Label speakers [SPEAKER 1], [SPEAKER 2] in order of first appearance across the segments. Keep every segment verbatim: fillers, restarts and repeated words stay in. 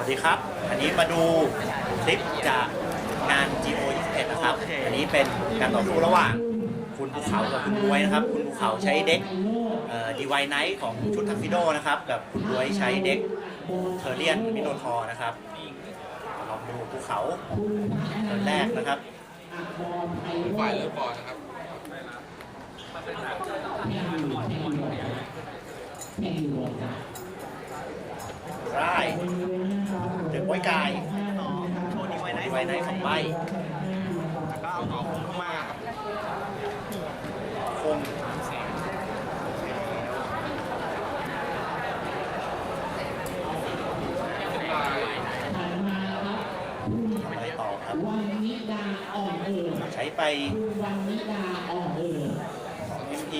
[SPEAKER 1] วัสดีครับอันนี้มาดูคลิปจากงาน จี โอ ยี่สิบเอ็ด นะครับอันนี้เป็นการต่อสู้ระหว่างคุณภูเขากับคุณบวยนะครับคุณภูเขาใช้เด็กดีไวไนท์ของชุดทักซิโดนะครับกับคุณบวยใช้เด็กเทอร์เรียนมิโนทอร์นะครับลองดูภูเขาเทิร์นแรกนะครับ
[SPEAKER 2] ฝ่ายเริ่มก่อนนะครับ
[SPEAKER 1] ได้เด็กไว้กายโชว์ดีไวไนท์ไวไนท์สองใบ
[SPEAKER 3] แล้วก็เอาต่อคงเข้ามา
[SPEAKER 1] คงไปต่อครับใช้ไปสอง เอ็ม พี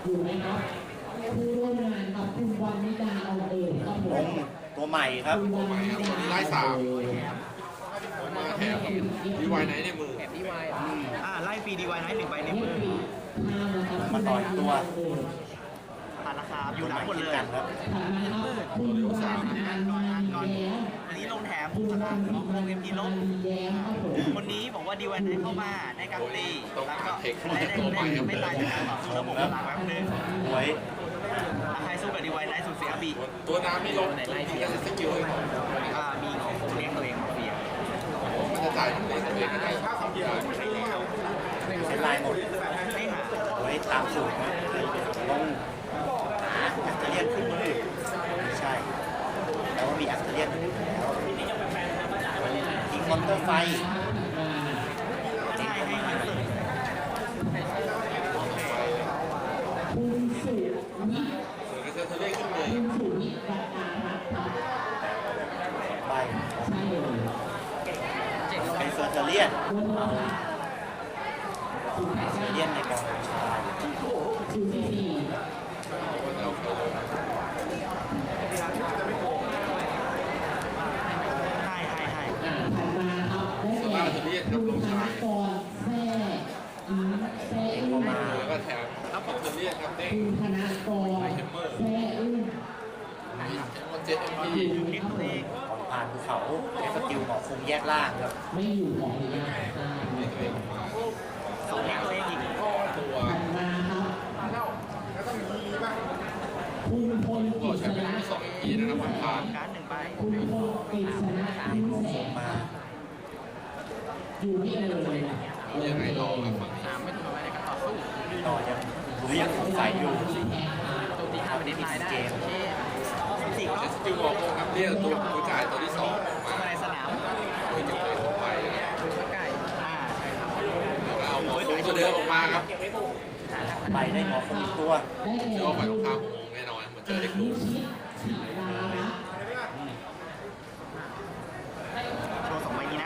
[SPEAKER 1] ลงตัวใหม่ครับ
[SPEAKER 2] ตัวใหม่ครับวันนี้ไล่สามมาแถมดีไวไนท์ในมือ
[SPEAKER 3] อ่าไล่ฟรีดีไวไนท์หนึ่งใบในมือ
[SPEAKER 1] มาต่อยตัว
[SPEAKER 3] ผ่านราคาอยู่หลังหมดเลย
[SPEAKER 1] ครับ
[SPEAKER 2] ตัวเร็วสาม
[SPEAKER 3] อันนี้ลงแถมลงเอ็มพีลบคนนี้บอกว่าดีไวไนท์เข้ามาในการตีแล้วก็ได้ได้ไม่ตายจากการต่อสู้ระบบพลังแป๊บนึง
[SPEAKER 1] ไว้
[SPEAKER 3] ใครสู้กับดีไวไนท์สุดเสียบี
[SPEAKER 2] ตัวน้ำมีลบมีการสกิลให้ผม
[SPEAKER 3] มีของผมเลี้ยงตัวเองมาเฟีย
[SPEAKER 2] มันจะจ่ายผมเลี้ยงตัวเองได้
[SPEAKER 1] เซ็นไลน์หมด
[SPEAKER 3] ไม่หา
[SPEAKER 1] ไว้ตามสูตรลงแอสเทเรียนขึ้นมือไม่ใช่แล้วก็มีแอสเทเรียนแล้วทิ้งมอนเตอร์ไฟ
[SPEAKER 3] ใช่ให้มันสุด
[SPEAKER 2] เซอร์เทเล่ขึ้นเลย
[SPEAKER 1] ใบเป็นเซอร์เทเลียนเซอร์เทเลียนในกองชาย
[SPEAKER 3] ให้ให้ให้
[SPEAKER 2] สตาร์เทเลียนกับลงชาย
[SPEAKER 1] เข้ามา
[SPEAKER 2] แล้วก็แถมอัพเทเลียนครับเด้งไอเทมเมอร์เจ็ดเอ็มพี
[SPEAKER 3] อยู่ที่ตัวเอง
[SPEAKER 1] ของผ่านภูเขาใช้สกิลหมอคุมแยกล่างครับ
[SPEAKER 3] ไม่อยู่ของตัวเองสองแยกตัวเองอีก
[SPEAKER 2] ตัวก็ใช้เป็นสองเอ็มพีนะครับผ่าน
[SPEAKER 3] การหนึ่งใบ
[SPEAKER 1] มา
[SPEAKER 2] อยู่นี่เลยยังไงต่อครับฝั่งนี้
[SPEAKER 3] ไม่ถูกอะไรในการต่อสู้
[SPEAKER 1] ต่อยังรู้ยังสงสัยอยู่
[SPEAKER 3] ตัวตีห้าเป็นดีไซน์ได้เกมสี่ก็
[SPEAKER 2] สกิลบอกครับเรียกตัวผู้จ่ายตัวที่สอง
[SPEAKER 3] มาในสนาม
[SPEAKER 2] โดยจะไปทั่วไป
[SPEAKER 3] ใกล้อ่าใช่ครับ
[SPEAKER 2] แล้วก็เอาหมอคงตัวเดิมออกมาครับ
[SPEAKER 1] ไปได้หมอคงอีกตัว
[SPEAKER 2] เชื่อว่าฝ่ายตรงข้ามคงแน่นอนเหมือนเจอเด็กดู
[SPEAKER 3] โชว์สองใบนี้นะ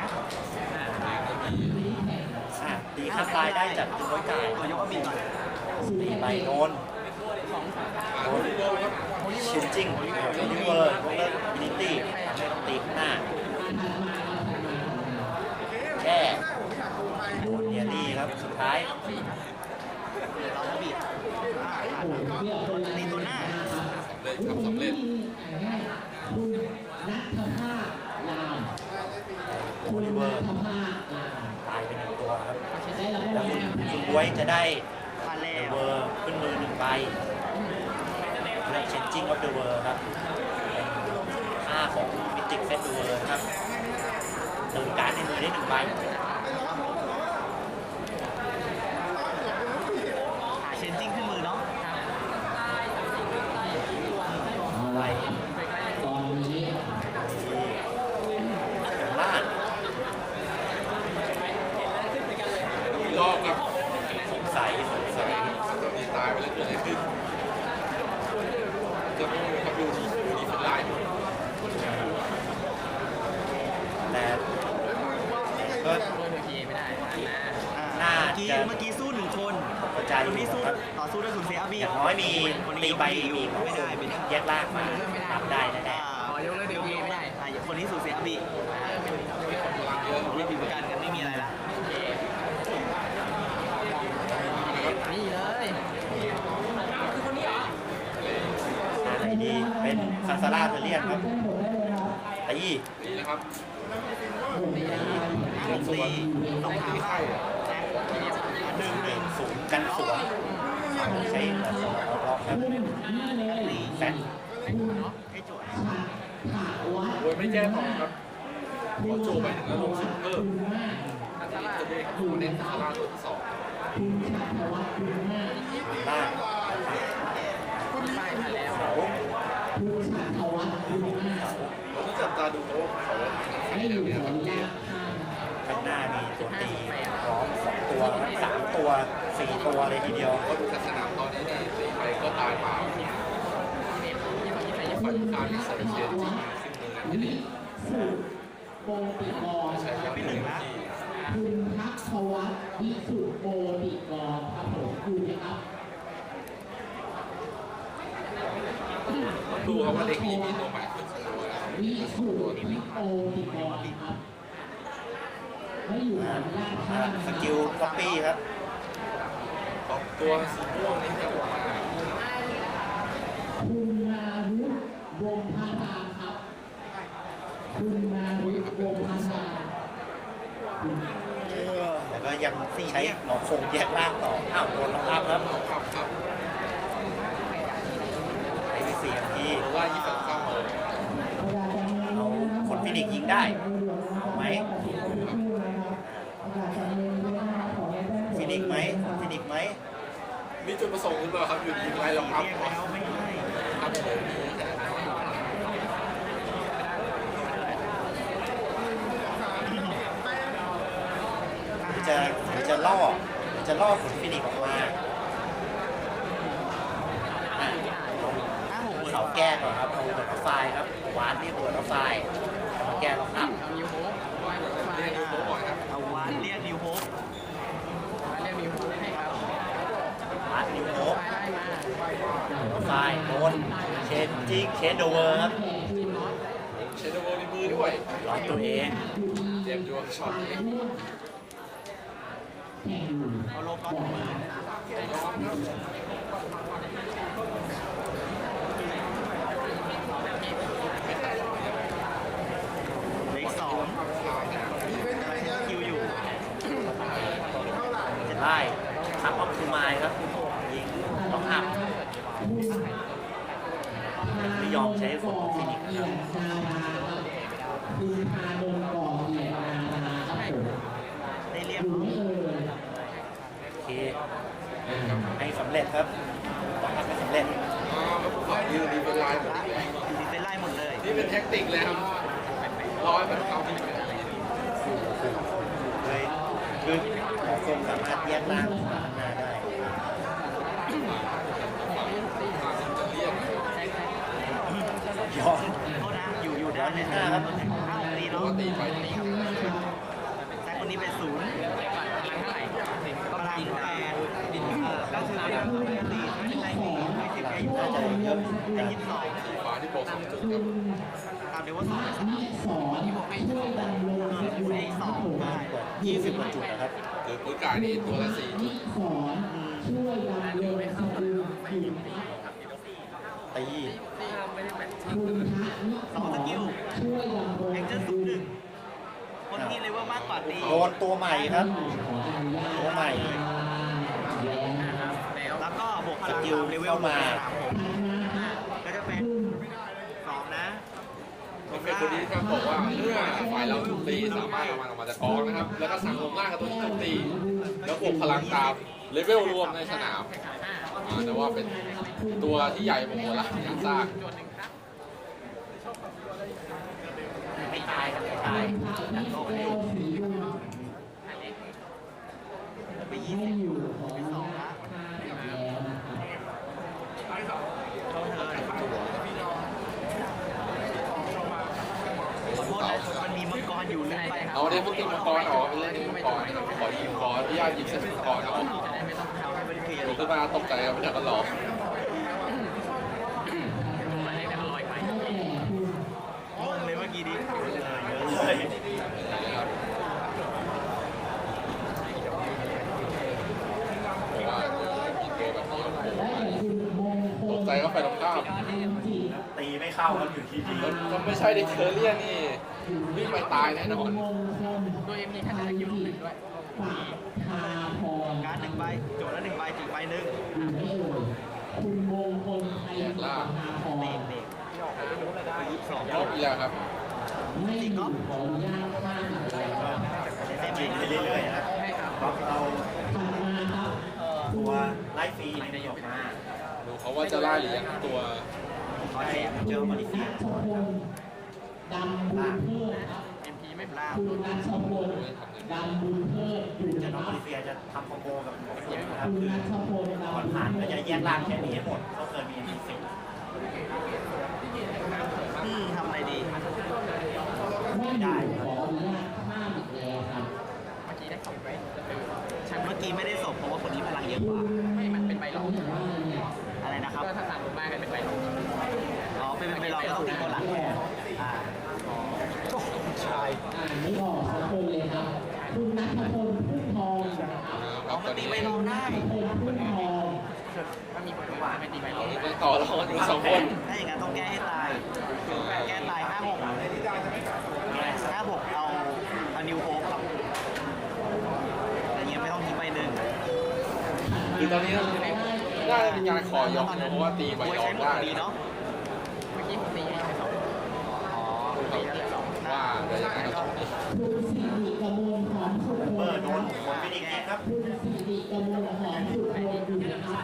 [SPEAKER 1] ตีค่าตายได้จากตัวไก่
[SPEAKER 3] ตัวยกบีก่อน
[SPEAKER 1] ตีใบโนนโนนชินจิ้งโอลิเวอร์วงเล็บบินิตี้ไม่ต้องตีข้างหน้าแค่โดนเนียรี่ครับสุดท้าย
[SPEAKER 3] เราบีบตีตัวหน้า
[SPEAKER 2] สำเร็จ
[SPEAKER 1] โอลิเวอร์ตายไปหนึ่งตัวครับแล้วคุณบวยจะได้เวอร์ขึ้นมือหนึ่งใบเลือกเชนจิ้งออฟเดอะเวอร์ครับค่าของมิติกเซตเวอร์ครับเติมการ์ดในมือได้หนึ่งใบ
[SPEAKER 3] หาเชนจิ้งขึ้นมือเนาะ
[SPEAKER 1] ใบล่าง
[SPEAKER 2] รอบครับ
[SPEAKER 1] สงสัยสงสัย
[SPEAKER 2] นี่ตายไปแล้วเกิดอะไรขึ้นจะไม่รู้ครับดูที่ดูที่เป็นลาย
[SPEAKER 1] แต่ก็น่า
[SPEAKER 3] จะเมื่อกี้สู้หนึ่งคน
[SPEAKER 1] กระจาย
[SPEAKER 3] คนนี้สู้ต่อสู้ด้วยคุณเซียบี
[SPEAKER 1] อย่างน้อยมีตีใบมีไม่ได้แยกล่างมาทำได้แน่
[SPEAKER 3] ๆยกเลยเดี๋ยวไม่ได้คนนี้สู้เซียบีเรียบบีประกันกันไม่มีอะไรละนี่เลยคือคนนี้เหรอ
[SPEAKER 1] ดีเป็นซาซาร่าเทเลียนครับตี
[SPEAKER 2] นี่นะครับ
[SPEAKER 3] หกสี่สองขาเข้าหนึ่งห
[SPEAKER 1] ห
[SPEAKER 3] นึ่
[SPEAKER 1] นึ่
[SPEAKER 3] ง
[SPEAKER 1] งศูนย์กันสวนใช้สองรอบครับ
[SPEAKER 3] สี่
[SPEAKER 1] แซน
[SPEAKER 3] ให้จวด
[SPEAKER 2] โวยไม่แจ้งของครับขอโจไปถึงแล้วลงซุปเปอร์อันนี้จะได้คู่เน้นคาราตัวที่สอง
[SPEAKER 1] ล่างเขา
[SPEAKER 2] เราต้องจับตาดูเขาเขาใครเดี๋ยวนี้ครับเกม
[SPEAKER 1] ข้างหน้ามีตัวตีพร้อมสองตัวสามตัวสี่ตัวเลยทีเดียว
[SPEAKER 2] ก็ดูจากสนามตอนนี้นี่ตีไปก็ตายเปล่าฝ่ายการที่ใส่เชียร์จริงขึ้นมือที่นี่ใช้ครับหนึ่งที่
[SPEAKER 4] คุณทักษวัฒน์วิสุทธิโมติกรครับผมอยู่นะครับ
[SPEAKER 2] ดูครับว่าเด็กนี้มีตัวใหม่ขึ้นสักตัวแล้ว
[SPEAKER 4] วิสุทธิโมติกรครับไม่อยู่ขออนุญาต
[SPEAKER 1] อ่าสกิลก๊อปปี้ครับ
[SPEAKER 2] สองตัวสีม่วงนี่จะบอกว่า
[SPEAKER 4] คุณนารุวงศ์พาราครับ คุณนารุวงศ์พารา
[SPEAKER 1] แต่ก็ยังใช้หมอคงแยกล่างต่ออ้าวโดนล็อกอัพครับ
[SPEAKER 2] ครับครับ
[SPEAKER 1] ไอ้เสียงที่
[SPEAKER 2] เพราะว่ายี่สิบเก้าเลย
[SPEAKER 1] เอาคนฟินิกซ์ยิงได้เอาไหมฟินิกซ์ไหมฟินิกซ์ไหม
[SPEAKER 2] มีจุดประสงค์หรือเปล่าครับอยู่ดีไล่ล็อกอัพ
[SPEAKER 3] เรียก
[SPEAKER 2] ก่อน
[SPEAKER 3] แล้วไม่ให้
[SPEAKER 2] ครับเลย
[SPEAKER 1] จะจะล่อจะล่อผลฟินิกซ์ออกมาอ่ะ
[SPEAKER 3] ห้าหก
[SPEAKER 1] เขาแก้ก่อนครับเอาเปิดไฟล์ครับวานที่เปิดไฟล์มาแก้ล็อกอัพ
[SPEAKER 2] เรียกดูโต๊ะก่อนครับ
[SPEAKER 3] เอาวานเรียกนิวโฮป
[SPEAKER 1] วานนิวโฮปไฟล์โดนเชนจิกเชนโดเวอร์ครับ
[SPEAKER 2] เชนโดโวในมือด้วย
[SPEAKER 1] ล็อกตัวเอง
[SPEAKER 2] เตรียมดวงช็อตนี้
[SPEAKER 3] เอาโลกอนมือเลขสองคิวอยู่
[SPEAKER 1] จะไล่คับออฟทูมายครับยิงล็อกอัพไม่ยอมใช้ผลฟินิกซ์นะครับ
[SPEAKER 4] คุณพาดลก่อเกียรตินาราครับผม
[SPEAKER 3] ได้เรียก
[SPEAKER 4] อยู่ไม่เอ่ย
[SPEAKER 1] โอเคให้สำเร็จครับล็อกอัพไม่สำเร็จ
[SPEAKER 2] อ่าแล้วผมว่ายืนดีเป็นลายหมดเลย
[SPEAKER 3] ดีเป็นไล่หมดเลย
[SPEAKER 2] นี่เป็นแท็กติกเลยครับร้อยมันเขาที่
[SPEAKER 1] เลยคือหมอคงสามารถแยกล่างขึ้นมาข้างหน้าได้
[SPEAKER 2] จะเรียก
[SPEAKER 1] ย้อน
[SPEAKER 3] โทษนะอยู่อยู่ด้านเนี่ยนะครับห้าหกตี
[SPEAKER 2] ป
[SPEAKER 3] เนาะ
[SPEAKER 2] กติไปนี่
[SPEAKER 3] แต่คนนี้เป็นศูนย์พลังแปดดินเออก็คือเป็นปกติไม่ใช่ไม่ใช่แค่อยู่
[SPEAKER 1] น่าจะเยอะ
[SPEAKER 3] ได้ยี่สิบสอง
[SPEAKER 2] สีฟ้าที่บอกสองจุดครับ
[SPEAKER 3] ตามเดียวว่าสองสาม
[SPEAKER 4] นิสอนช่วยดำรงสกุล
[SPEAKER 3] ได้สองได้
[SPEAKER 1] ยี่สิบกว่าจุดนะครับ
[SPEAKER 2] คือปืนกายนี่ตัวละสี่จุ
[SPEAKER 4] นิ
[SPEAKER 2] ด
[SPEAKER 4] สอนช่วยดำรงสกุลคุณ
[SPEAKER 1] ตี
[SPEAKER 4] คุณทักนิส
[SPEAKER 3] สอง
[SPEAKER 4] อ
[SPEAKER 3] ส
[SPEAKER 4] น
[SPEAKER 3] กิล
[SPEAKER 4] ช่วยดำรง
[SPEAKER 3] แองเจิล
[SPEAKER 4] ส
[SPEAKER 3] ศู
[SPEAKER 4] กุ
[SPEAKER 3] นย์ห
[SPEAKER 4] ล
[SPEAKER 3] นึ่งคนที่เลเวลมากกว่าตี
[SPEAKER 1] โดนตัวใหม่ครับ
[SPEAKER 4] ขออนุญาต
[SPEAKER 1] ตัวใหม่
[SPEAKER 4] แรงนะครับ
[SPEAKER 3] แล้วก็บวกพลัง
[SPEAKER 1] สกิล
[SPEAKER 3] ตามเลเวล
[SPEAKER 1] เข้ามา
[SPEAKER 3] สามผมก็จะเป็นสองนะ
[SPEAKER 2] เป็นคนนี้ครับบอกว่าเมื่อฝ่ายเราถูกตีสามารถเอามันออกมาจากกองนะครับ แล้วก็สั่งลงล่างกับตัวที่ถูกตี แล้วบวกพลังตามเลเวลรวมในสนามอ่าแต่ว่าเป็นตัวที่ใหญ่โมโหละอย่างซาก
[SPEAKER 1] ไม่ตายครับไม่ตาย
[SPEAKER 3] ไปยี่สิบไปสองนะเขาเธอขอโทษนะมันมีมังกรอยู่ลืมไป
[SPEAKER 2] เอาเดี๋ยวพวกตีมังกรออกเป็นเรื่องนี้มังกรขอยิงกรพี่ญาติยิงเส้นมังกรเอา
[SPEAKER 3] จะได้ไม่ต้องทำให้มันเคลียร์
[SPEAKER 2] ผมขึ้นมาตกใจกันไม่ทันก็หลอก
[SPEAKER 3] งงเลยเมื่อกี้ดิ
[SPEAKER 1] เลย
[SPEAKER 2] บอกว่ายิงตัวแบบนี้โอ้โห
[SPEAKER 4] และอย่างคุณมงค
[SPEAKER 2] ต
[SPEAKER 4] ล
[SPEAKER 2] กใจก็ไปตรงข้าม
[SPEAKER 4] จิต
[SPEAKER 1] ตีไม่เข้าาครับอยู่ที่ดี
[SPEAKER 2] ถ้าไม่ใช่เด็กเทอร์เรียนนี่วิ่งไปตายแน่นอน
[SPEAKER 5] โดยเอ็มดีท่านจะคิวลงหนึ่งด้วย
[SPEAKER 4] ทาพร
[SPEAKER 3] การ์ดหนึ่งใบโจทย์ละหนึ่งใบจีบใบหนึ่ง
[SPEAKER 4] คุณมงคลไทยสุภาพร
[SPEAKER 3] เบรกเบรกยี่สิบสอง
[SPEAKER 2] รอบอีกแล้วครับ
[SPEAKER 4] ไม่อยู่ขออนุญาตข้ามอะไรครับ
[SPEAKER 1] จะจีบไปเรื่อยๆนะครับเพราะเรา
[SPEAKER 4] ถัดมาครับ
[SPEAKER 1] ตัวไลฟ์ฟรีมันจะออกมา
[SPEAKER 2] ดูเขาว่าจะล่าหรือยังตัว
[SPEAKER 1] ขอแถมเจอมาเลเซีย
[SPEAKER 4] นัชพลดำบุญเพิ่มครับ
[SPEAKER 5] เอ็มพีไม่
[SPEAKER 3] ล่าง
[SPEAKER 4] คุณนัชพลดำบุญเพิ่มอยู่
[SPEAKER 1] เจอ
[SPEAKER 4] นะ
[SPEAKER 1] น้อง
[SPEAKER 4] ครั
[SPEAKER 1] มา
[SPEAKER 4] บ
[SPEAKER 1] เลเซียจะทำคอมโบกับหมอเสียนะครับ
[SPEAKER 4] คุณ
[SPEAKER 1] คือ
[SPEAKER 4] นัชพล
[SPEAKER 1] ก่อน
[SPEAKER 4] ดำบุญ
[SPEAKER 1] ผ่าน
[SPEAKER 4] เพิ่
[SPEAKER 1] ก็
[SPEAKER 4] ม
[SPEAKER 1] จะแยกล่างแค่นี้ให้หมดก็เกินมีมีสิบ
[SPEAKER 3] อืมทำอะไรดี
[SPEAKER 4] ไม่ได้ขออนุญาตข้ามอีกแล้วครับ
[SPEAKER 5] เมื่อกี้ได้สองใบ
[SPEAKER 3] ฉันเมื่อกี้ไม่ได้ส่งเพราะว่าคนนี้พลังเยอะกว่า
[SPEAKER 5] ไม่มันเป็นใบหลอก
[SPEAKER 3] อะไรนะครับ
[SPEAKER 5] ก็ถ้าสั่งลงมาก็เป็นใบหลอก
[SPEAKER 3] อ๋อเป็นเป็นเราก็ต้องตีตัวหลังอ่า
[SPEAKER 1] ใช่
[SPEAKER 4] อ่านไม่ออกสักคนเลยครับ คุณนัทพลพุ่มทองนะครับ
[SPEAKER 2] ค
[SPEAKER 3] อ๋
[SPEAKER 2] รั
[SPEAKER 3] อบ
[SPEAKER 2] ต
[SPEAKER 3] มั
[SPEAKER 2] อน น
[SPEAKER 3] ตี
[SPEAKER 2] นี้
[SPEAKER 3] ไม่ลงได้
[SPEAKER 4] นัทพลพุ่มทอง
[SPEAKER 5] ถ้ามีผลว่าไม่ตีใบหลอก
[SPEAKER 2] ยังต่อรองกันอยู่สองคน
[SPEAKER 3] ถ้าอย่างนั้นต้องแก้ให้ตาย แก้ตายห้าหกห้าหกเอาเอานิวโฮปครับแต่ยังไม่ต้องทิ้งใบหนึ่ง
[SPEAKER 2] คือตอนนี้น่าจะเป็นการขอยกนะเพราะว่าตีใบ
[SPEAKER 3] ไว้
[SPEAKER 2] รอ
[SPEAKER 3] ใช้
[SPEAKER 2] ง
[SPEAKER 3] หมด
[SPEAKER 2] ได้
[SPEAKER 3] ดีเนาะ
[SPEAKER 5] เมื่อกี้ผมตีให้สอง
[SPEAKER 3] อ๋อ
[SPEAKER 5] ตีแล้วเหลือสอง
[SPEAKER 2] ว่าจะยังไงก็ต้องตี
[SPEAKER 4] คุณสิริกมลหอมสุข
[SPEAKER 1] เบ
[SPEAKER 4] พ
[SPEAKER 1] อ
[SPEAKER 4] ล
[SPEAKER 1] ร์โดน
[SPEAKER 4] นะครับ
[SPEAKER 1] คนฟินิกส์ครับ
[SPEAKER 4] คุณสิริกมลหอมสุขพลอยู่นะครับ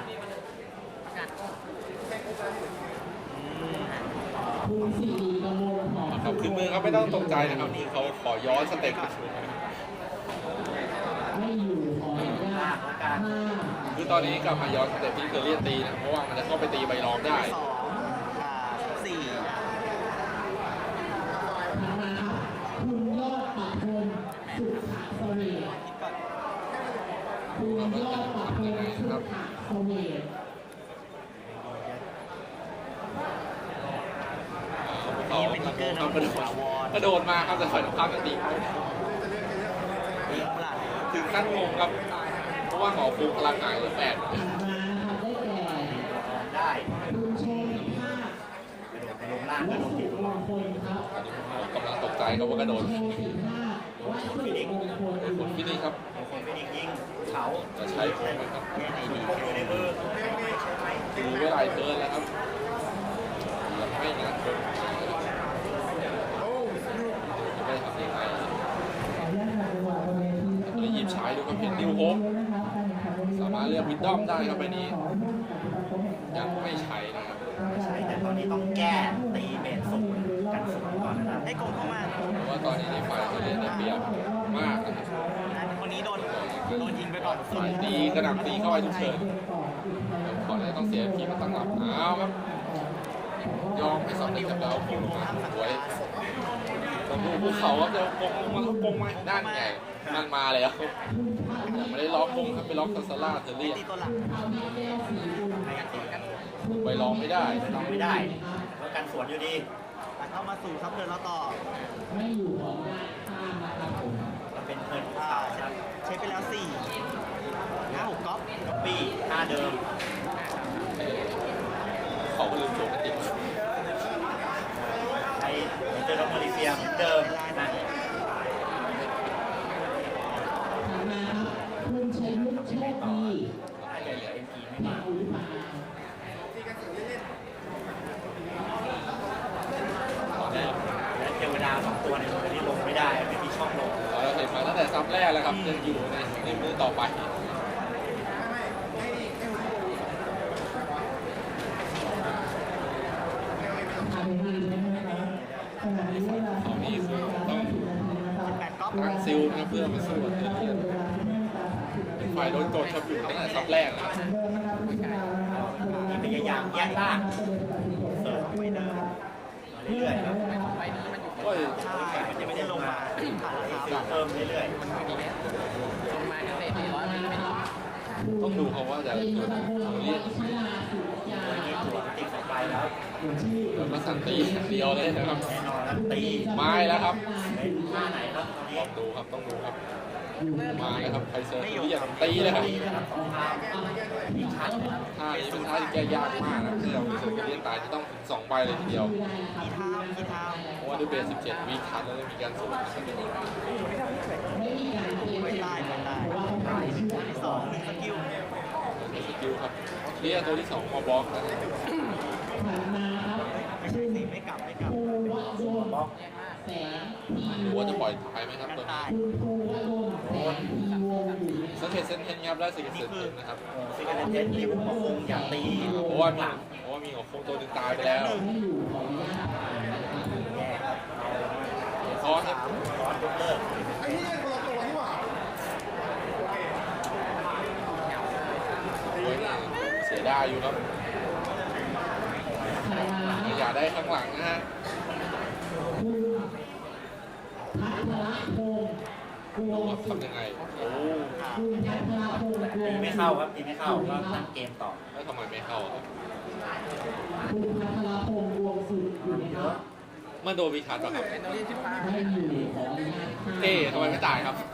[SPEAKER 4] คุณสิริกมลหอม
[SPEAKER 2] ค
[SPEAKER 4] สุ
[SPEAKER 2] รับ
[SPEAKER 4] ข
[SPEAKER 2] คือมือเขาไม่ต้องตกใจนะครับนี่เขาขอย้อนสเต็ป
[SPEAKER 4] ไม่อยู่ขออนุญาตห้า
[SPEAKER 2] คือตอนนี้กลับมาย้อนสเต็ปที่เทอร์เรียนตีนะเพราะว่ามันจะเข้าไปตีใบรองได้
[SPEAKER 3] สองอ่าสี่
[SPEAKER 4] ถัดมาครับคุณยอดปัทพลสุขะเสวต
[SPEAKER 3] คิดก่อน
[SPEAKER 4] คุณยอดปัทพลสุขะเสวต
[SPEAKER 2] เขา
[SPEAKER 3] นี่เป็นทิกเกอร์
[SPEAKER 2] เขา
[SPEAKER 3] น้ำ
[SPEAKER 2] กระโด
[SPEAKER 3] ถา
[SPEAKER 2] ด
[SPEAKER 3] วร
[SPEAKER 2] กระโดดมาครับแต่ฝ่ายตรงข้ามจะตีเขา
[SPEAKER 3] ยิงปลัด
[SPEAKER 2] ถึงขั้นงงครับ เพราะว่าหมอฟูพลังหายเหลือแปด
[SPEAKER 4] ถัดมานะครับได้แก่
[SPEAKER 1] ได้
[SPEAKER 4] คุณชมภาพ
[SPEAKER 1] กระโดดไปลงล่าง
[SPEAKER 4] วั
[SPEAKER 1] ก็โดน
[SPEAKER 4] สุ
[SPEAKER 1] ตี
[SPEAKER 4] ม
[SPEAKER 1] ตัว
[SPEAKER 4] งคลครับ
[SPEAKER 2] กำลังตกใจครับว่ากระโดด
[SPEAKER 4] โชว์สีภาพวัสุมงคลอยู่
[SPEAKER 2] คนที่นี่ครับ
[SPEAKER 1] คนฟินิกส์ยิงเขา
[SPEAKER 2] จะใช้ผมไหมครับ
[SPEAKER 3] แก้ไหนดี
[SPEAKER 1] พกอยู่ในมือใช่ไหมใช่ไหม
[SPEAKER 2] ดูเวลาเทิร์นแล้วครับยังไม่งานเทิร์นจะไม่ทำยังไง เลยหยิบฉายดูครับเห็นนิวโฮปสามารถเลือกวิดดอมได้ครับใบนี้ ยังไม่ใช้นะครับ
[SPEAKER 1] ใช่แต่ตอนนี้ต้องแก้ตีเบสศูนย์กันศูนย์ก่อนนะครับ
[SPEAKER 3] ให้โกงเข้ามา
[SPEAKER 2] เพราะว่าตอนนี้ในฝ่ายเทอร์เรียนได้เปรียบมากนะครับ
[SPEAKER 3] นะคนนี้โดนโดนยิงไปก่อนสุด
[SPEAKER 2] ฝ่ายตีกระหน่ำตีเข้าไปทุกเชิญก่อนที่จะต้องเสียพีมาตั้งหลับอ้าวครับ ยอมให้สองเด็กจับดาวพุ่งลงมาสวยต้องดูภูเขาครับเดี๋ยวกงลงมาแล้วกงมาด้านใหญ่มันมาแล้วแต่ไม่ได้ล็อกกงครับไปล็อกทัสซาร่าเทอร์เรียน
[SPEAKER 3] ตีตัวหลัง
[SPEAKER 2] ไปลองไม่ได้
[SPEAKER 1] ลองไม่ได้แล้วกันสวนอยู่ดี
[SPEAKER 3] ตัดเข้ามาสู่ซับเทิร์นแล้วต่อ
[SPEAKER 4] ไม่อยู่ของด้านข้างนะครับผม
[SPEAKER 1] มันเป็นเทิร์นภู
[SPEAKER 3] อ่า
[SPEAKER 1] เขาครับ
[SPEAKER 3] ใช้ไปแล้วสี่ห้าหกก๊อป
[SPEAKER 1] ก๊อปปี้ท่าเดิม
[SPEAKER 2] เขาก็ลืมโจมตี
[SPEAKER 1] ใช้เจอน้องมาเลเซียเหมือนเดิมนะ
[SPEAKER 4] ถัดมาครับคุณชัยยุทธโชคดี
[SPEAKER 1] น่าจะเหลือ เอ็ม พี ไม่
[SPEAKER 4] มา
[SPEAKER 1] มาก
[SPEAKER 4] อุปา
[SPEAKER 1] และเทวดาสองตัวในมือที่ลงไม่ได้ไม่มีช่องลง
[SPEAKER 2] เราเห็นมาตั้งแต่ซับแรกแล้วครับยังอยู่ในในมือต่อไป
[SPEAKER 4] ทำงานนะครับขณะนี้เวลา
[SPEAKER 2] เอานี่คือต้อง
[SPEAKER 3] แปดก๊อป
[SPEAKER 2] ตั้งซิลนะครับเพื่อมาสู้กับเทอร์เรียนเป็นฝ่ายโดนกดครับอยู่ตั้งแต่ซับแรกแล้ว
[SPEAKER 1] มีพยายามแยกล่างเสิร์ฟไปเดิมมาเรื่อยๆครับ
[SPEAKER 5] ใบนี้มันอยู่
[SPEAKER 2] ก็
[SPEAKER 3] ใช่มันจะไม่ได้ลงมาผ่านแล้วครับ
[SPEAKER 1] เพิ่มเรื่อย
[SPEAKER 5] มันไม่ดีแล้วลงมาเกษตรสี่ร้อยมันไม่ดี
[SPEAKER 2] ต้องดูเขาว่าจะเกิดเทอร์เรียน
[SPEAKER 1] ๆโดยที่ตัวติดสองไปแล้ว
[SPEAKER 2] แล้วก็สันตีอย่างเดียวเลยนะครับ
[SPEAKER 1] แน่นอนครับตี
[SPEAKER 2] ไม้แล้วครับ
[SPEAKER 1] เป็นท่าไหนครับตอนนี้
[SPEAKER 2] ต้องดูครับต้องดูครับ
[SPEAKER 1] ต
[SPEAKER 2] มาเลยครับไคเซอร์ที่อยากตีเลยครับ
[SPEAKER 1] อีกชั้น
[SPEAKER 2] ท่านี้เป็นท่าที่แก้ยากมากนะที่เราเคยเรียนตายที่ต้องถึงสองใบเลยทีเดียว
[SPEAKER 3] กี่เท้ากี่เท้า
[SPEAKER 2] เพราะว่าด้วยเบสสิบเจ็ดวีคันแล้วมีการสูงนะครับ
[SPEAKER 3] ไม่ได้ไม่ได้ตัวที่สองหนึ่งสกิล
[SPEAKER 2] สกิลครับนี่ตัวที่สองมาบล็อกนะ
[SPEAKER 3] ไม่ใช่สิไม่กลับไม่กลับบ
[SPEAKER 1] ล็อก
[SPEAKER 2] หรือว่าจะปล่อยตายไหมครับ
[SPEAKER 3] กัน
[SPEAKER 2] ตัวนี้
[SPEAKER 3] ตาย
[SPEAKER 2] สังเกตเซนเทนครับได้สิเกตเซนเทนนะครับ
[SPEAKER 1] ซิกเนเทสริวมาคงอยากตี
[SPEAKER 2] เพราะว่ามีเพราะว่ามีของคงตัวหนึ่งตายไปแล้ว
[SPEAKER 1] แย่ครับ
[SPEAKER 2] คอครับ
[SPEAKER 1] ร้อนยกเลิก
[SPEAKER 2] โอ้ยเสียดายอยู่ครับอย่าได้ข้างหลังนะฮะ
[SPEAKER 4] พัทรพงศ์กวง
[SPEAKER 2] ทำยังไงโอ้
[SPEAKER 4] คุณพัทรพงศ์กว
[SPEAKER 1] ตี
[SPEAKER 4] ง
[SPEAKER 1] ไม่เข้าครับตีไม่เข้าก็ตั้งเกมต่อ
[SPEAKER 2] แล้วทำไมไม่เข้าครับ
[SPEAKER 4] คุณพัทรพงศ์กวงสุดอยู่ไหมครับ
[SPEAKER 2] มันโดนวีคันป่ะครับ
[SPEAKER 5] เป็นตัวที่สิบห้า
[SPEAKER 4] ไม่อยู่ของอนุญาต
[SPEAKER 2] เอ๊ะทำไมไม่ตายครับ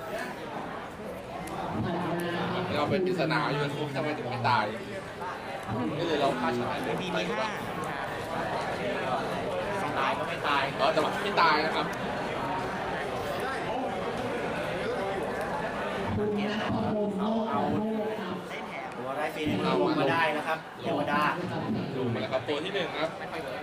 [SPEAKER 2] เราเป็นปริศนาอยู่นะทำไมถึงไม่ตายนี่เลยเราพลาดชนะเลย
[SPEAKER 3] มี
[SPEAKER 2] ไป
[SPEAKER 3] มี
[SPEAKER 2] หรือเป
[SPEAKER 3] ห้า
[SPEAKER 2] ล่า
[SPEAKER 1] ตายก็ไม่ตาย
[SPEAKER 2] เออแต่ว่าไม่ตายนะครับ
[SPEAKER 4] คุณนัทพงศ์โมกเอาครับ
[SPEAKER 3] ได้แถม
[SPEAKER 1] ตัวได้ฟรีในมือลงมาได้นะครับเทวดา
[SPEAKER 2] ดูมาแล้วครับตัวที่หนึ่งครับ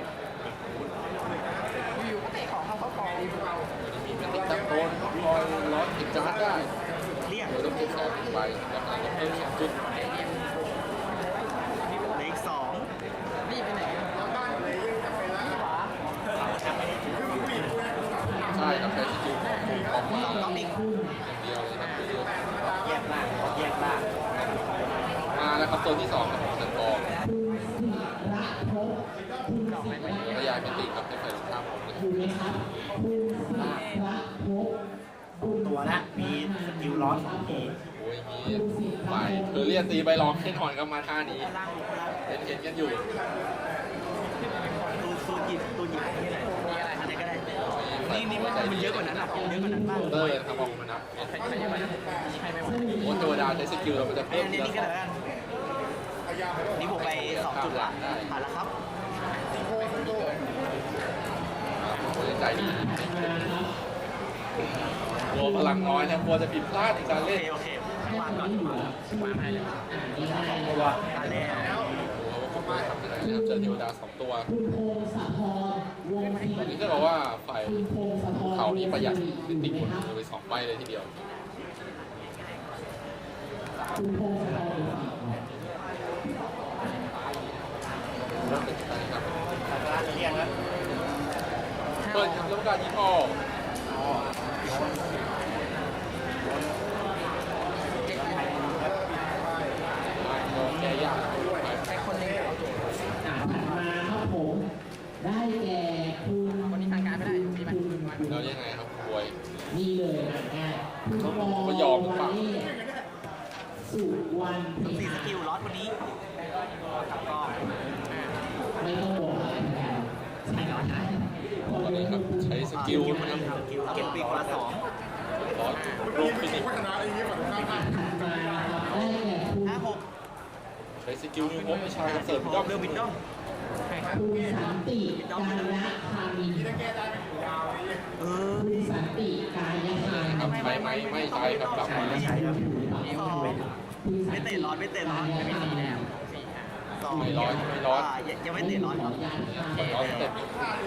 [SPEAKER 5] อยู่ก็เตะของเขาเขากอง
[SPEAKER 2] มีแมตติกตับโตนคอยล็อตติดการ์ดได้
[SPEAKER 3] เรียก
[SPEAKER 2] โดยต้องเก็บสองหนึ่งใบราคาต้องเพิ่มสองจุด
[SPEAKER 3] เหลืออีกสอง
[SPEAKER 5] นี่ไปไหน
[SPEAKER 2] ใช่ครับใช้สกิลของคูออกมา
[SPEAKER 3] สองต้องอีก
[SPEAKER 2] อย่างเดียวเลยครับเดียว
[SPEAKER 1] แยกล่างแยกล่าง
[SPEAKER 2] มาแล้วครับตัวที่สองครับของสันกอง
[SPEAKER 4] คุณศิระภพคุณศิระ
[SPEAKER 2] ระยายเป็นติครับให้ใส่รองเท้าผมเลย
[SPEAKER 4] อยู่ไหมครับคุณศิระภพคุณ
[SPEAKER 1] ตัวละมีสกิลร้อนสองที
[SPEAKER 2] โอ้ยมีใบเธอเรียนตีใบรองแน่นอนครับมาท่านี้
[SPEAKER 3] ล่างลงล่าง
[SPEAKER 2] เห็นเห็นกันอยู่
[SPEAKER 3] ตูตูหยิบตูหยิบนี่อะไรมีอะไรอันไหนก็ได้ นี่นี่มันเยอะกว่านั้นอ่ะเยอะกว่านั้นบ้าง
[SPEAKER 2] เตอร์นะครับบอกมานับ
[SPEAKER 5] ใครใครจะมาใครไม่ไหว
[SPEAKER 2] โอ้เทวดาใช้สกิลแล้วมันจะ
[SPEAKER 3] อั
[SPEAKER 2] เพิ่ม
[SPEAKER 3] นนี้นี่ก็ได้กันนี่บวกไปสองจุดละผ่านแล้วครับ
[SPEAKER 2] โอ้ยใจดีกลัวพลังน้อยนะกลัวจะผิดพลาดในการ
[SPEAKER 3] โอ
[SPEAKER 2] เล่
[SPEAKER 3] เคน โอเควางก่อน
[SPEAKER 5] วางให้เลย
[SPEAKER 1] ตัว
[SPEAKER 3] ผ่านแล้ว
[SPEAKER 2] ผมว่าทำยังไงนะครับเจอเทวดาสองตัว
[SPEAKER 4] คุณพงศธรวงศรี
[SPEAKER 2] ตอนนี้จะบอกว่าฝ่าย
[SPEAKER 4] คุณพงศธร
[SPEAKER 2] เขานี่ประหยัดติด
[SPEAKER 4] อ
[SPEAKER 2] ติด
[SPEAKER 4] ยู่
[SPEAKER 2] ห
[SPEAKER 4] ไห
[SPEAKER 2] ม
[SPEAKER 4] ม
[SPEAKER 2] ด
[SPEAKER 4] ครับ
[SPEAKER 2] เลยสองใบเลยทีเดียว
[SPEAKER 4] คุณพงศธร
[SPEAKER 2] เริ่มเป็นการครับ
[SPEAKER 1] สักการะเรียงแล้ว
[SPEAKER 2] เปิดครับแล้วการยิงออกแก้ยาก
[SPEAKER 5] ใครคนนึงเอาตัว
[SPEAKER 4] อ่าถัดมาครับผม ได้แก่คุณ
[SPEAKER 5] คนนี้ทางการไม่ได้อยู่ที่มัน
[SPEAKER 2] แล้วยังไงครับบวย
[SPEAKER 4] นี่เลยอ่ะง่ายคุณวอ
[SPEAKER 2] เขายอมหรือเปล่า
[SPEAKER 4] สุวรรณเพ็ญ
[SPEAKER 3] สี่สกิลล็อตวันนี้กับกอง
[SPEAKER 4] ไม่ต้องบอกอะไรนะครับใช่แล้วใช่
[SPEAKER 2] ตอนนี้ครับใช้สกิลนะครับ
[SPEAKER 1] สกิล
[SPEAKER 3] เก็
[SPEAKER 1] เก็
[SPEAKER 3] บบ ปี
[SPEAKER 1] ปี
[SPEAKER 3] ก
[SPEAKER 1] ก
[SPEAKER 3] คน
[SPEAKER 1] ละ
[SPEAKER 3] ละ
[SPEAKER 1] ส
[SPEAKER 3] ส
[SPEAKER 1] อ
[SPEAKER 3] อง ง
[SPEAKER 2] ร้อยรูปฟินิก
[SPEAKER 4] ถัดมานะครับได้แก่คุณ
[SPEAKER 3] ห้าหก
[SPEAKER 2] ใช้สกิลนิวโฮปวิชาคอนเสิร์ตวิดดอม
[SPEAKER 3] เรือวินดอม
[SPEAKER 4] คุณสันติกายะคามิน
[SPEAKER 3] เออ
[SPEAKER 4] คุณสันติกายะคามิน
[SPEAKER 2] ครับใช้ไหมไม่ใช้ครับกลับมา
[SPEAKER 1] ไม่ใช่ครับ
[SPEAKER 3] สองไม่เตะร้อนไม่เตะร้อนไม่ตีแล้วสอง
[SPEAKER 2] ไม่ร้อนไม่ร้อน
[SPEAKER 3] ยังไม่เตะร้อน
[SPEAKER 4] ขออนุญาตค่ะ
[SPEAKER 2] ร้อนสเต็ป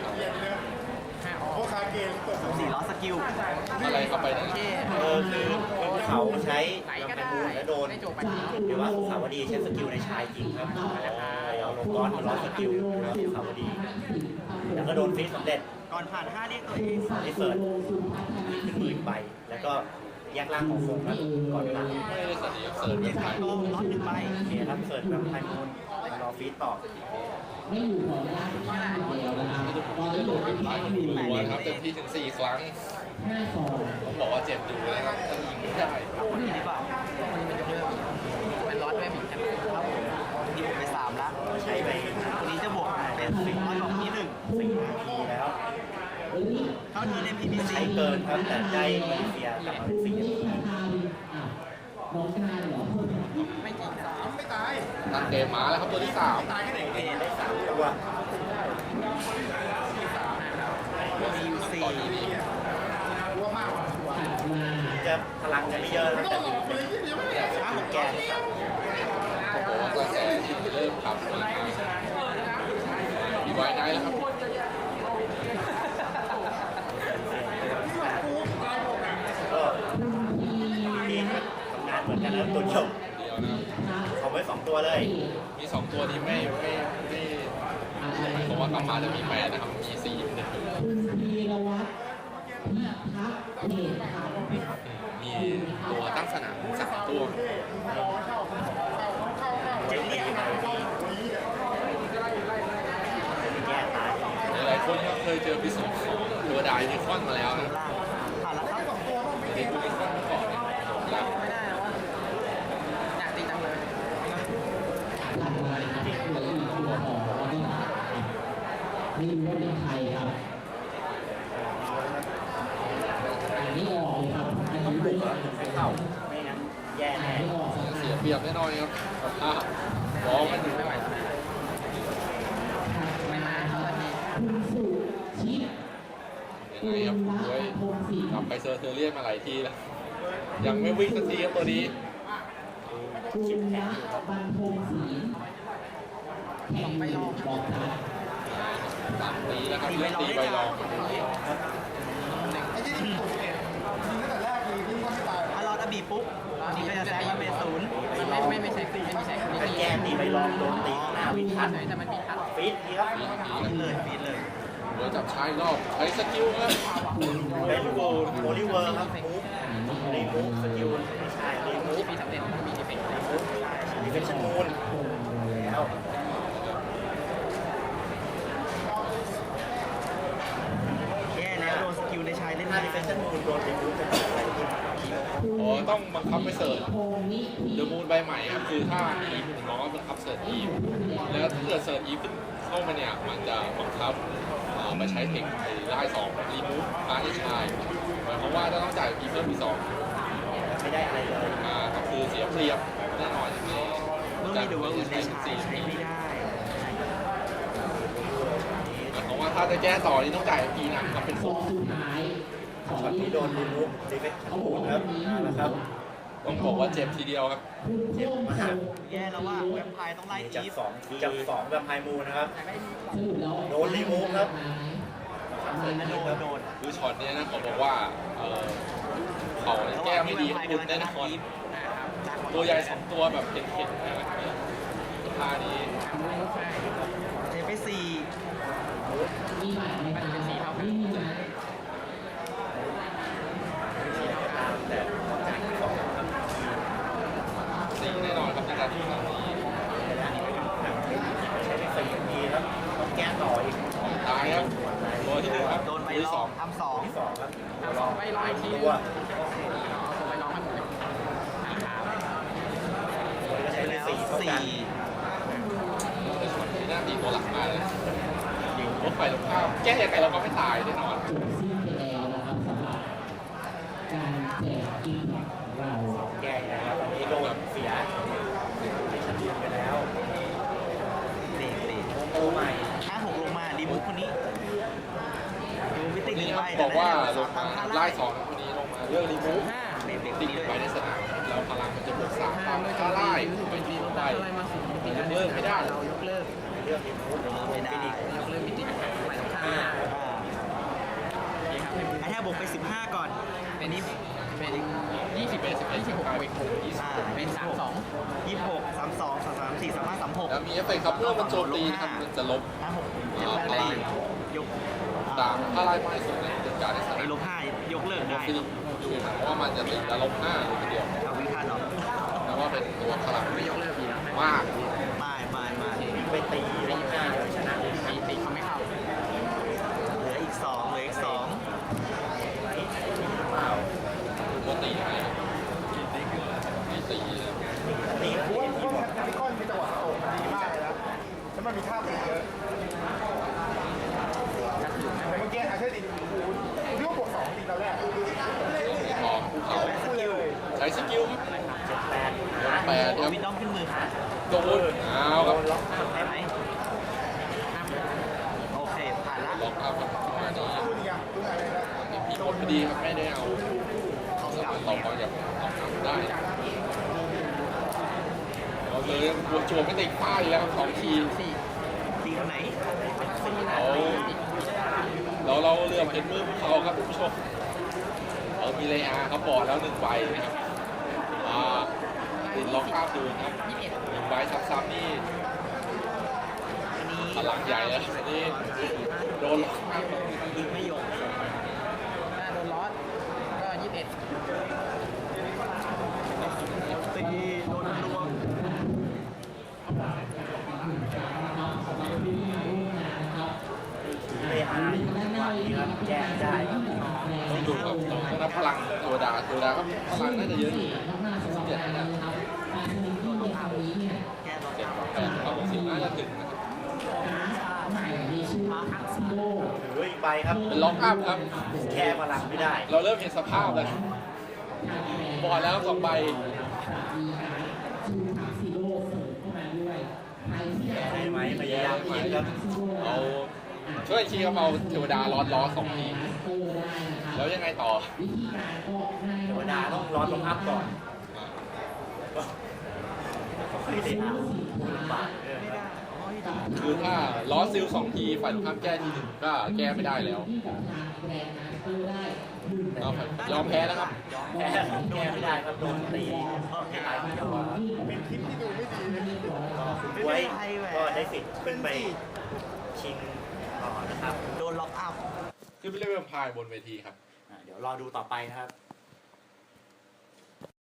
[SPEAKER 3] สี่ล้อสกิล
[SPEAKER 2] อะไรเข้าไปนะ
[SPEAKER 1] เออคือภูเขาใช้
[SPEAKER 5] ไหน
[SPEAKER 1] ลำ
[SPEAKER 5] ก็
[SPEAKER 1] ไพ
[SPEAKER 5] ได้
[SPEAKER 1] บูลและโดน
[SPEAKER 5] ไม่จบไป
[SPEAKER 1] หรือว่าภูเขาวดีใช้สกิลในชายจริงครับเอาลงก้อนมาล้อสกิลแล้วภูเขาวดี แล้วก็โดนฟีดสำเร็จ
[SPEAKER 3] ก่อนผ่านห้าเรียกตัวเอง
[SPEAKER 1] ได้เปิดขึ้นหมื่นใบแล้วก็แยกล่างของคงครับก่อนหลัง
[SPEAKER 2] ไม่ได้สนิทเสิร์ฟ
[SPEAKER 3] เรี
[SPEAKER 2] แบ
[SPEAKER 3] ยก
[SPEAKER 2] บไท
[SPEAKER 3] สาย
[SPEAKER 2] ย
[SPEAKER 3] โตล็อตหนึ่งใบ
[SPEAKER 1] โอเคครับเสิร์ฟแบบไทยมูลรอฟีดต่อ
[SPEAKER 4] ไม่อยู่ขออนุญาตข้ามเดียวนะครับ
[SPEAKER 2] ไม่ต้อง
[SPEAKER 4] ตอน
[SPEAKER 2] จะ
[SPEAKER 4] นี้
[SPEAKER 2] โด
[SPEAKER 4] อยู่
[SPEAKER 2] น
[SPEAKER 4] ที่
[SPEAKER 2] เป็น
[SPEAKER 4] ห้า
[SPEAKER 2] หลายหัวนะครับเต็มที่ถึงสี่ครั้ง
[SPEAKER 4] ห้าสอง
[SPEAKER 2] ผมบอกว่าเจ็บอยู่นะครับถ้ายิงไม่ได้
[SPEAKER 3] คนนี้ดีกว่า
[SPEAKER 5] มันร้อนด้วยผิดใช่ไหม
[SPEAKER 3] ครับผมนี่ผมไปสามละ
[SPEAKER 1] ใช้ไป
[SPEAKER 3] คนนี้จะบวกเป็นสิบร้อยกว่าที่หนึ่ง
[SPEAKER 1] สี่นาทีแล้ว
[SPEAKER 4] เรี
[SPEAKER 3] เข้าเทิร์น เอ็ม พี บี ซี
[SPEAKER 1] ใช้เกินครับแต่ได้มาเลเซียกลับมาเป็นสี่
[SPEAKER 4] น้องกายเหรอ
[SPEAKER 5] ไม่จริงสาม
[SPEAKER 2] ตั้งเกมมาแล้วครับตัวที่สาม
[SPEAKER 1] โอเคได้สามตัว
[SPEAKER 3] มีอยู่สี่
[SPEAKER 2] ต่อที่นี่
[SPEAKER 1] จะพลังจะไม่เยอะนะแต่ดูเป็น
[SPEAKER 3] ห้าหก
[SPEAKER 1] แก
[SPEAKER 3] แก
[SPEAKER 1] น
[SPEAKER 2] ต้องบอกว่ากระแสที่เริ่มขับมามีไว้ไนท์แล้วครับ
[SPEAKER 1] ก็ทีมก็ทำงานเหมือนกันนะตัวเดียว
[SPEAKER 2] เดียวนะครับ
[SPEAKER 1] เอาไว้สองตัวเลย
[SPEAKER 2] มีสองตัวนี้ไม่ไม่ไม่หมายความว่ากลับมาจะมีแปดนะครับ มีสี่อยู่ในตัว
[SPEAKER 4] คุณพีรวัตรพิทักษ์เดชขำ
[SPEAKER 2] มีตัวตั้งสนามสามตัว
[SPEAKER 3] เจ็ดเนี่ย
[SPEAKER 1] แก้ตาย
[SPEAKER 2] หลายๆคนก็เคยเจอพิสูจน์ของตัวไดนิคอนมาแล้วนะ
[SPEAKER 3] ล่างผ่านแล้วครับ
[SPEAKER 2] เด็กนิคอนเมื่อก่อนเนี่ยแล้ว
[SPEAKER 5] ไม่ได้แล้วว่าอยากตีจังเลย
[SPEAKER 4] หลังมาครับเหลืออีกตัวของแล้วก็ไม่รู้ว่าเป็นใครครับอันนี้ออกเลยครับอันนี้
[SPEAKER 1] บุ
[SPEAKER 4] ไม่
[SPEAKER 1] ก
[SPEAKER 4] อ
[SPEAKER 1] แล้
[SPEAKER 4] อ
[SPEAKER 1] ว
[SPEAKER 4] ก
[SPEAKER 1] ถึงไม่เข้าไม่งั้นแย่แน่
[SPEAKER 4] ไม่ออกส
[SPEAKER 2] เสี
[SPEAKER 4] ตาย ร์
[SPEAKER 2] เปรียบแน่นอนครับอ่ะบอลมันอยู่
[SPEAKER 5] ไม่ไหวแล้วไม่มาเข้าทันที
[SPEAKER 4] คุณสุชิต
[SPEAKER 2] ยัง
[SPEAKER 4] คุ
[SPEAKER 2] ไง
[SPEAKER 4] ณ
[SPEAKER 2] ครับ
[SPEAKER 4] รั
[SPEAKER 2] ด้วย
[SPEAKER 4] ตพงศรี
[SPEAKER 2] กลับไปเซอร์เทเรียนมาหลายทีแล้ว ยังไม่วิ่งสักทีครับตัวนี้
[SPEAKER 4] คุณรัตบรรพงศรีแข่งไปลองบอกครับ
[SPEAKER 2] สามตีแล้วครับเลือกตีใบรอง
[SPEAKER 3] ถ้ารอดอบีปุ๊บนี่ก็จะแซงมาเป็นศูนย์
[SPEAKER 5] มันไม่ไม่ไม่ใช่ไม่ใช่คน
[SPEAKER 1] ถ้า
[SPEAKER 5] นี้
[SPEAKER 1] แก้ตีไปลองโดนตีข้างหน้าวินทัน
[SPEAKER 5] แต่มันมีทัด
[SPEAKER 1] ฟีดทีครับ
[SPEAKER 2] มีที
[SPEAKER 3] ฟีดเลยฟีดเลย
[SPEAKER 2] โดยจับชายรอบใช้สกิลครับ
[SPEAKER 1] เป็นโกลโอลิเวอร์ครับมูฟรีมูฟสกิลไม่ใช่รีมูฟ
[SPEAKER 5] มีสำเร็จมีดีเฟกต์
[SPEAKER 1] รีมูฟดีเฟคชั่นมูนแล้ว
[SPEAKER 3] แย่แล้วโดนสกิลในชายเล่น
[SPEAKER 1] ถ้า
[SPEAKER 3] ได้
[SPEAKER 1] ดีเฟคชั่นมูนโดนรีมูฟจะเกิดอะไรขึ้น
[SPEAKER 2] อ๋อต้องบังคับไปเสิร์ช
[SPEAKER 4] พงนิธิ
[SPEAKER 2] เดอะมูนใบใหม่ครับคือถ้าอีฟถึงน้องก็บังคับเสิร์ชอีฟแล้วถ้าเกิดเสิร์ชอีฟเข้ามาเนี่ยมันจะบังคับเอ่อมาใช้เทคไอ้ไล่สองรีมูฟพาร์ทชายหมายความว่าจะต้องจ่ายอีฟเพิ่มอีกสอง
[SPEAKER 1] ไม่ได้อะไรเลย
[SPEAKER 2] อ่าก็คือเสียเปรียบแน่นอนอย่างนี้
[SPEAKER 3] เมื่อมีดูว่าอื่นในชายใช้ไม่ได้
[SPEAKER 2] หมายความว่าถ้าจะแก้ต่อนี่ต้องจ่ายอีนะครับเป็น
[SPEAKER 4] ส
[SPEAKER 2] ฟุ
[SPEAKER 4] อก งสุดท้ายขอ
[SPEAKER 1] ช็อตนี้โดนรีมูฟดีเฟคชั่นมูนครับนะครับ
[SPEAKER 2] ต้องบอกว่าเจ็บทีเดียวครับ
[SPEAKER 4] คุณเพิ่มเติม
[SPEAKER 3] แย่แล้วว่าแวมไพร์ต้องไล่
[SPEAKER 1] จาก
[SPEAKER 3] อีฟ
[SPEAKER 1] สองจากสองแบบไฮมูนนะครับ
[SPEAKER 4] สรุปแล้ว
[SPEAKER 1] โดนรีมูฟครับ
[SPEAKER 3] โดนโดนโดน
[SPEAKER 2] คือช็อตเนี้ยนะเขาบอกว่าเออเขาแก้ไม่ดีคุณแน่นอนตัวใหญ่สองตัวแบบเข็นๆนะครับท่านี้
[SPEAKER 3] เทไปสี่
[SPEAKER 4] มีบัตรไหมครับไม่มีนะ
[SPEAKER 1] ตามแต่จ่ายสองครับ
[SPEAKER 2] สีแน่นอนครับในการที่แบบนี้
[SPEAKER 1] ใช้ไปสี่ทีครับต้องแก้ต่ออีก
[SPEAKER 2] ตายครับตัวที่หนึ่งครับ
[SPEAKER 3] โดน
[SPEAKER 2] ตัว
[SPEAKER 3] ไป
[SPEAKER 2] ที่
[SPEAKER 3] ล
[SPEAKER 2] ส
[SPEAKER 3] อ
[SPEAKER 2] อง ง
[SPEAKER 3] ทำสอง
[SPEAKER 1] ที่สองครับ
[SPEAKER 5] สองไปร้อยที
[SPEAKER 1] ตัว
[SPEAKER 5] เอาไปร้องให้หมดเลย
[SPEAKER 1] ก็ใช้ไป
[SPEAKER 3] แล้ว
[SPEAKER 1] สี่เท่ากัน
[SPEAKER 3] สี่
[SPEAKER 2] แต่ช็อตนี้น่าตีตัวหลักมากเลยยิงรถไฟลงข้ามแก้ยังไงเราก็ไม่ตายแน่นอน
[SPEAKER 4] จบสิ้นไปแล้วนะครับสำหรับการแจกอินของเรา
[SPEAKER 1] แก้นะครับอันนี้โดนเสียให้ชัดเจนไปแล้ว
[SPEAKER 3] เด็กเด็ก
[SPEAKER 1] โตใหม่
[SPEAKER 3] ห้าหกลงมาดีมุกคนนี้ดูวิ
[SPEAKER 2] ค
[SPEAKER 3] ติ
[SPEAKER 2] น
[SPEAKER 3] ห
[SPEAKER 2] นี้
[SPEAKER 3] นึ่ง
[SPEAKER 2] ค
[SPEAKER 3] ใบ
[SPEAKER 2] รับบอกว่าล
[SPEAKER 3] สอง
[SPEAKER 2] ง
[SPEAKER 3] ตา
[SPEAKER 2] มา
[SPEAKER 3] ท่า
[SPEAKER 2] ไล่สองคนนี้ลงมาเรื่องรีมูฟ
[SPEAKER 5] ห้า
[SPEAKER 3] เด็กเด็ก
[SPEAKER 2] ติด
[SPEAKER 3] นี้เลย
[SPEAKER 2] ไว้ในสนามแล้วพลังมันจะบวกสาม
[SPEAKER 5] ห้า
[SPEAKER 2] ตาม
[SPEAKER 5] เมื่อ
[SPEAKER 2] ถ้าไล่
[SPEAKER 5] ไป
[SPEAKER 2] ไป
[SPEAKER 5] ตี
[SPEAKER 2] ยิง
[SPEAKER 5] ลง
[SPEAKER 2] ไป
[SPEAKER 5] ไปอะไรมาสิตี
[SPEAKER 2] ยกเลิกไม่ได้
[SPEAKER 5] เรายกเลิก
[SPEAKER 1] เรื่องรีมูฟ
[SPEAKER 3] ไม่ได้
[SPEAKER 5] ยกเลิกมิติไปตรงข้าม
[SPEAKER 3] อ่า
[SPEAKER 5] นี่ครับ
[SPEAKER 3] ไอ้แทบบวกไปสิบห้าก่อน
[SPEAKER 5] เป็นนี้เป็นยี่สิบ
[SPEAKER 2] เป็นสิบเอ็ด
[SPEAKER 5] ยี่สิบหก
[SPEAKER 2] กลาย
[SPEAKER 5] เว
[SPEAKER 2] เป็น
[SPEAKER 5] ก
[SPEAKER 2] หกยี่สิบ
[SPEAKER 3] อ่า
[SPEAKER 2] หก
[SPEAKER 5] เป็นสามสอง
[SPEAKER 3] ยี่สิบหกสามสองสามสามสี่สามห้าสามหก
[SPEAKER 2] แล้วมีเอฟเฟกต์ครับเมื่อมันโจมตีนะครับมันจะลบ
[SPEAKER 3] ห้าหก
[SPEAKER 2] อ่าพลัง
[SPEAKER 3] ยก
[SPEAKER 2] ตามถ้าไล่ไม่สุดเนี่ยจัดการในส
[SPEAKER 3] ไอ้
[SPEAKER 2] นาม
[SPEAKER 3] ลบห้ายกเลิกได้
[SPEAKER 2] ฟิลิปดูนะเพราะว่ามันจะติดแล้วลบห้าเลยทีเดียว
[SPEAKER 3] เอาวิพากษ์เนาะ
[SPEAKER 2] แต่ว่าเป็นตัวพลัง
[SPEAKER 5] ไม่ยกเลิกดีนะ
[SPEAKER 2] มาก
[SPEAKER 3] ไม่ไม่ไม่
[SPEAKER 1] ไปตีลบห้าเลยชนะเลย
[SPEAKER 5] ตีตีเขาไม่เข้า
[SPEAKER 3] เหลืออีกสองเหลืออีกสอง
[SPEAKER 1] เปล่า
[SPEAKER 2] ตัวตีให้ไม่ตีเลย
[SPEAKER 1] ตีแล้วที่ทีมหมด
[SPEAKER 6] พี่ก้อนมีจังหวะโอบดีมากเลยนะแล้วมันมีท่าตีเยอะ
[SPEAKER 5] ถ้าถือไม่
[SPEAKER 6] แต่เมื่อกี้อาเช่ดิโอ้โห
[SPEAKER 2] แปดครับ
[SPEAKER 3] วินดอมขึ้นมือค่ะ
[SPEAKER 2] โดนเอาครับ
[SPEAKER 1] ล็อกอัพ
[SPEAKER 3] ได้ไหมโอเคผ่านละ
[SPEAKER 2] ล็อกอัพครับมานี้
[SPEAKER 6] พูดอีกอย่างพูดอะไรนะ
[SPEAKER 2] มีผลพอดีครับไม่ได้เอาเอาสามารถตอบมาจากตอบกลับได้เราเลยวนโจมไม่ติดป้ายแล้วครับสองที
[SPEAKER 3] สี่สี่คนไหนสี่
[SPEAKER 2] เอาเราเราเรือมาเห็นมือพวกเขาครับคุณผู้ชมเออมีเลอาครับบอดแล้วหนึ่งใบนะครับอ่าติดล็อกภาพดูครับหนึ่งใบซ้ำๆนี่
[SPEAKER 3] อันนี้
[SPEAKER 2] พลังใหญ่แล้วอันนี้โดนล็อกภาพครับ
[SPEAKER 3] ไม่ยอม
[SPEAKER 5] ถ้าโดนลอสก็ยี่สิบเอ็ด
[SPEAKER 3] ตีโดนรวม
[SPEAKER 1] เลยอาร์วันนี้ครับแก้ไม่ได้ครับ
[SPEAKER 2] ต้องดูครับต้องนับพลังตัวดาตัวดาก็พลังน่าจะเยอะอยู่สิบเจ็ดนะ
[SPEAKER 3] แก้ต่อ
[SPEAKER 2] เจ็ด
[SPEAKER 3] เก้า
[SPEAKER 2] แปดครับสิบน่าจะถึงนะครับ
[SPEAKER 1] หรืออีกใบครับ
[SPEAKER 2] เป็นล็อกอัพครับ
[SPEAKER 1] แค่พลังไม่ได้
[SPEAKER 2] เราเริ่มเห็นสภาพแล้วบอดแล้วสองใบ
[SPEAKER 1] ได้ไหมพยายามยิงครับ
[SPEAKER 2] เอาช่วยชี้เขาเอาเทวดาล้อล้อสองทีแล้วยังไงต่อ
[SPEAKER 1] เทวดาต้องร้อนลงอัพก่อนก็ไม่ได้เอาลำบากเออครับ
[SPEAKER 2] คือถ้าล้อซิลสองทีฝ่ายตรงข้ามแก้ทีหนึ่งก็แก้ไม่ได้แล้วเอาครับยอมแพ้แล้วครับ
[SPEAKER 1] แพ้แก้ไม่ได้ครับโดนตีให้ตายคนเดียวครับ
[SPEAKER 6] เป็นคลิปที่ดูไม่ดีเลย
[SPEAKER 1] ก็คุณไว้ก็ได้สิทธิ์ขึ้นไปชิงต่อนะครับ
[SPEAKER 3] โดนล็อกอัพ
[SPEAKER 2] ขึ้นไปเล่นเวมพายบนเวทีครับ
[SPEAKER 1] อ่ะเดี๋ยวรอดูต่อไปนะครับ